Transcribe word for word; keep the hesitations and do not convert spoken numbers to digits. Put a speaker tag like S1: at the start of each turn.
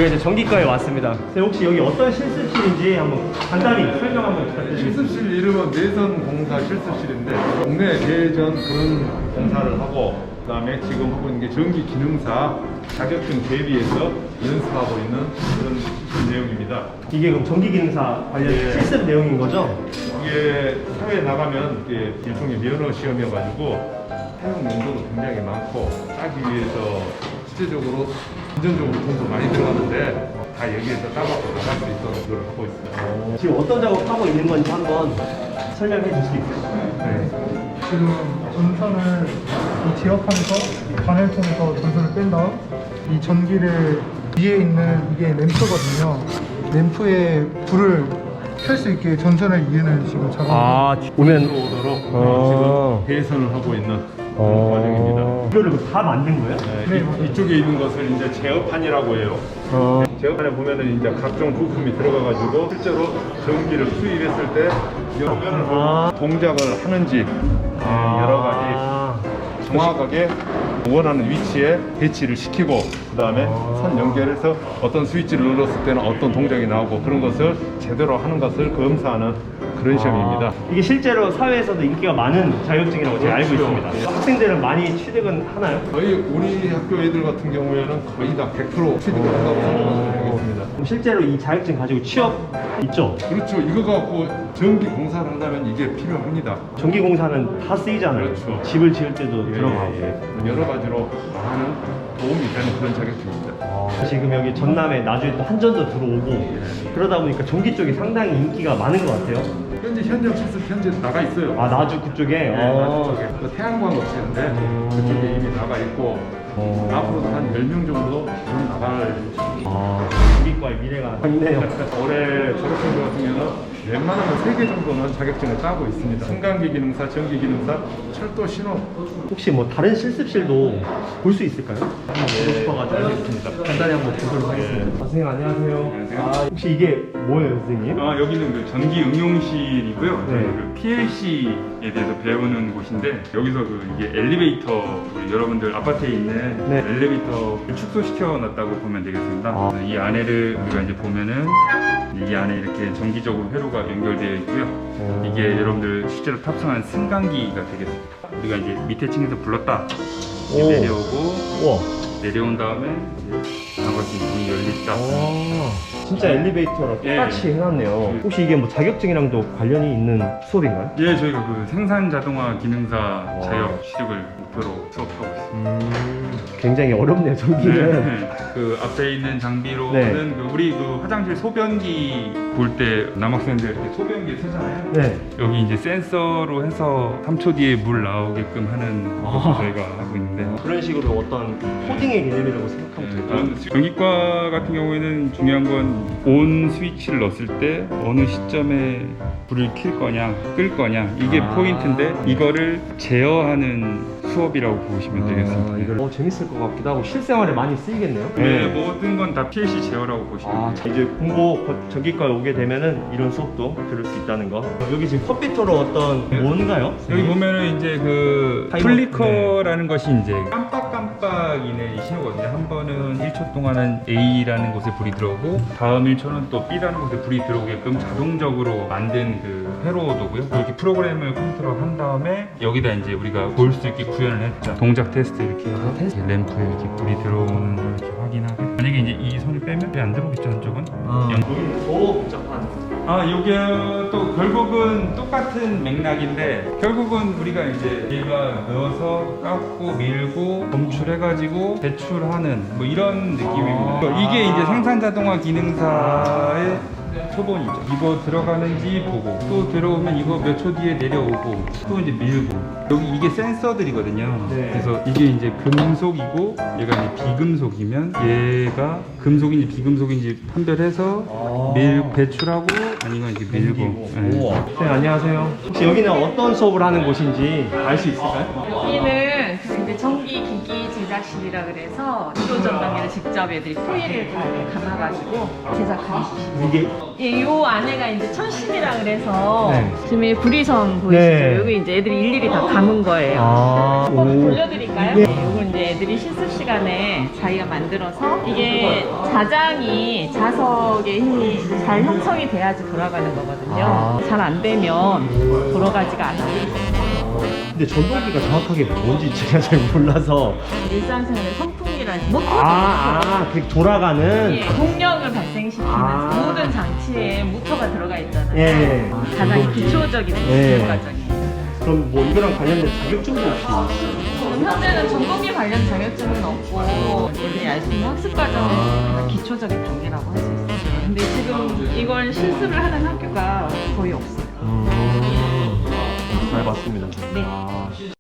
S1: 이제 전기과에 왔습니다. 선생님 혹시 여기 어떤 실습실인지 한번 간단히 설명 한번 부탁드립니다.
S2: 실습실 이름은 내선 공사 실습실인데 국내 내전 그런 공사를 하고 그다음에 지금 하고 있는 게 전기 기능사 자격증 대비해서 연습하고 있는 그런 실습 내용입니다.
S1: 이게 그럼 전기기능사 관련
S2: 네.
S1: 실습 내용인 거죠?
S2: 이게 사회에 나가면 이게 일종의 면허 시험이어가지고 사용 용도도 굉장히 많고 따기 위해서 실제적으로 금전적으로 돈도 많이 들어가는데 다 여기에서 따갖고 나갈 수 있도록 그걸 하고 있습니다.
S1: 지금 어떤 작업하고 있는 건지 한번 설명해 줄 수 있어요?
S2: 네.
S3: 지금 전선을 이 지압하면서 관을 통해서 전선을 뺀 다음 이 전기를 위에 있는 이게 램프거든요. 램프에 불을 켤 수 있게 전선을 이으는 지금 작업.
S1: 아, 오면
S2: 들어오도록
S1: 어.
S2: 지금 배선을 하고 있는 그런 과정입니다.
S1: 이거를 다 만든 거예요?
S2: 네, 이, 이쪽에 있는 것을 이제 제어판이라고 해요.
S1: 어.
S2: 제어판에 보면은 이제 각종 부품이 들어가가지고 실제로 전기를 수입했을 때 여러 면을
S1: 아.
S2: 동작을 하는지 네, 여러 가지
S1: 아.
S2: 정확하게 원하는 위치에 배치를 시키고 그 다음에 선 연결해서 어떤 스위치를 눌렀을 때는 어떤 동작이 나오고 그런 것을 제대로 하는 것을 검사하는 그런 시험입니다.
S1: 이게 실제로 사회에서도 인기가 많은 자격증이라고 제가 알고
S2: 그렇죠.
S1: 있습니다.
S2: 네.
S1: 학생들은 많이 취득은 하나요?
S2: 저희 우리 학교 애들 같은 경우에는 거의 다 백 퍼센트 취득을 한다고 생각을 하겠습니다.
S1: 그럼 실제로 이 자격증 가지고 취업 있죠?
S2: 그렇죠. 이거 갖고 전기 공사를 한다면 이게 필요합니다.
S1: 전기공사는 다 쓰이잖아요.
S2: 그렇죠.
S1: 집을 지을 때도
S2: 예,
S1: 들어가고.
S2: 예, 예. 여러 가지로 많은 도움이 되는 그런 자격증입니다.
S1: 아, 지금 여기 전남에 나중에 또 한전도 들어오고 그러다 보니까 전기 쪽이 상당히 인기가 많은 것 같아요.
S2: 현재 현장 실습 현재 나가 있어요.
S1: 아, 나주 그쪽에?
S2: 네,
S1: 어.
S2: 나주 쪽에. 그 태양광 업체인데 그쪽에 이미 나가 있고
S1: 어.
S2: 앞으로도 한 열 명 정도 좀 나갈
S1: 아, 전기과의 미래가 있네요.
S2: 올해 졸업생들 같은 경우는 웬만하면 세 개 정도는 자격증을 따고 있습니다. 승강기 기능사, 전기 기능사, 철도 신호.
S1: 혹시 뭐 다른 실습실도 볼 수 있을까요? 한번 보고 싶어가지고 알겠습니다. 간단히 한번 보도록 하겠습니다. 아, 선생님 안녕하세요.
S4: 안녕하세요.
S1: 아, 혹시 이게 뭐예요, 선생님?
S4: 아, 여기는 그 전기 응용실이고요.
S1: 네.
S4: 저희 그 피엘씨에 대해서 배우는 곳인데 여기서 그 이게 엘리베이터 우리 여러분들 아파트에 있는
S1: 네.
S4: 엘리베이터를 축소시켜 놨다고 보면 되겠습니다.
S1: 아.
S4: 이 안에를 우리가 이제 보면은 이 안에 이렇게 정기적으로 회로가 연결되어 있고요.
S1: 오.
S4: 이게 여러분들 실제로 탑승한 승강기가 되겠습니다. 우리가 이제 밑에 층에서 불렀다 이렇게
S1: 오.
S4: 내려오고
S1: 우와.
S4: 내려온 다음에 이제 나머지 문이 열렸다.
S1: 아, 진짜 엘리베이터랑
S4: 예.
S1: 똑같이 해놨네요.
S4: 예.
S1: 혹시 이게 뭐 자격증이랑도 관련이 있는 수업인가요?
S4: 예, 저희가 그 생산 자동화 기능사 자격 취득을 목표로 수업하고 있습니다.
S1: 음, 굉장히 어렵네요, 전기는.
S4: 네. 그 앞에 있는 장비로는
S1: 네.
S4: 그 우리 그 화장실 소변기 볼 때 남학생들 이렇게 소변기 쓰잖아요.
S1: 네.
S4: 여기 이제 센서로 해서 삼 초 뒤에 물 나오게끔 하는
S1: 아.
S4: 것을 저희가 하고 있는데.
S1: 그런 식으로 어떤 코딩의 개념이라고 생각하면
S4: 네,
S1: 될까요?
S4: 그런 전기과 같은 경우에는 중요한 건 온 스위치를 넣었을 때 어느 시점에 불을 켤 거냐 끌 거냐 이게
S1: 아.
S4: 포인트인데 이거를 제어하는 수업이라고 보시면 되겠습니다.
S1: 아, 이걸 어, 재밌을 것 같기도 하고 실생활에 많이 쓰이겠네요.
S4: 네, 모든 건 다 피엘씨 제어라고 보시면
S1: 아,
S4: 돼요.
S1: 자, 이제 공고 전기과에 오게 되면은 이런 수업도 들을 수 있다는 거. 여기 지금 컴퓨터로 어떤 뭔가요?
S4: 여기 보면은 이제 그
S1: 타이머.
S4: 플리커라는 것이 이제 깜빡깜빡이는 이 신호거든요. 한 번은 일 초 동안은 A라는 곳에 불이 들어오고 다음 일 초는 또 B라는 곳에 불이 들어오게끔 자동적으로 만든 그 회로도고요. 이렇게 프로그램을 컴퓨터로 한 다음에 여기다 이제 우리가 볼 수 있게 구현을 했죠. 동작 테스트 이렇게 해서
S1: 테스트?
S4: 램프에 이렇게 불이 들어오는 걸 이렇게 확인하고 만약에 이제 이 손을 빼면 불이 안 들어오겠죠, 한쪽은.
S1: 아,
S4: 연-
S1: 여기는 더 복잡한.
S4: 아, 이게 또 결국은 똑같은 맥락인데 결국은 우리가 이제 얘가 넣어서 깎고 밀고 검출해가지고 배출하는 뭐 이런 느낌입니다.
S1: 아.
S4: 이게 이제 생산 자동화 기능사의 초본이죠. 이거 들어가는지 보고 또 들어오면 이거 몇 초 뒤에 내려오고 또 이제 밀고 여기 이게 센서들이거든요.
S1: 네.
S4: 그래서 이게 이제 금속이고 얘가 이제 비금속이면 얘가 금속인지 비금속인지 판별해서
S1: 아.
S4: 밀 배출하고 아니면 이제 밀고. 네.
S1: 우와. 네, 안녕하세요. 혹시 여기는 어떤 수업을 하는 곳인지 알 수 있을까요?
S5: 여기는 그 이제 전기 기기 제작실이라 그래서 기초 전단기를 직접 애들이 코일을 다 이렇게 감아가지고 제작하는 곳이에요.
S1: 이게
S5: 예, 요 안에가 이제 천심이라 그래서
S1: 네.
S5: 지금 이 부리선 보이시죠?
S1: 네.
S5: 여기 이제 애들이 일일이 다 감은 거예요.
S1: 아,
S5: 한번
S1: 오.
S5: 돌려드릴까요?
S1: 네.
S5: 네, 요거 이제 애들이 실습 시간에 자기가 만들어서 이게 자장이 자석의 힘이 잘 형성이 돼야지 돌아가는 거거든요.
S1: 아.
S5: 잘 안 되면 돌아가지가 않아요.
S1: 근데 전동기가 정확하게 뭔지 제가 잘 몰라서
S5: 일상생활에 선풍기라는 모터
S1: 아, 아, 그 돌아가는
S5: 예, 동력을 발생시키는
S1: 아.
S5: 모든 장치에 모터가 들어가 있잖아요.
S1: 예.
S5: 가장 기초적인
S1: 예.
S5: 기술 과정이에요.
S1: 그럼 뭐 이거랑 관련된 자격증도 혹시 있어요?
S5: 지금 현재는 전공기 관련 자격증은 없고 애들이 알 수 있는 학습 과정은
S1: 아.
S5: 기초적인 단계라고 할 수 있어요. 근데 지금 이걸 실습을 하는 학교가 거의 없어요.
S1: 음, 잘 봤습니다.
S5: 네.
S1: 아.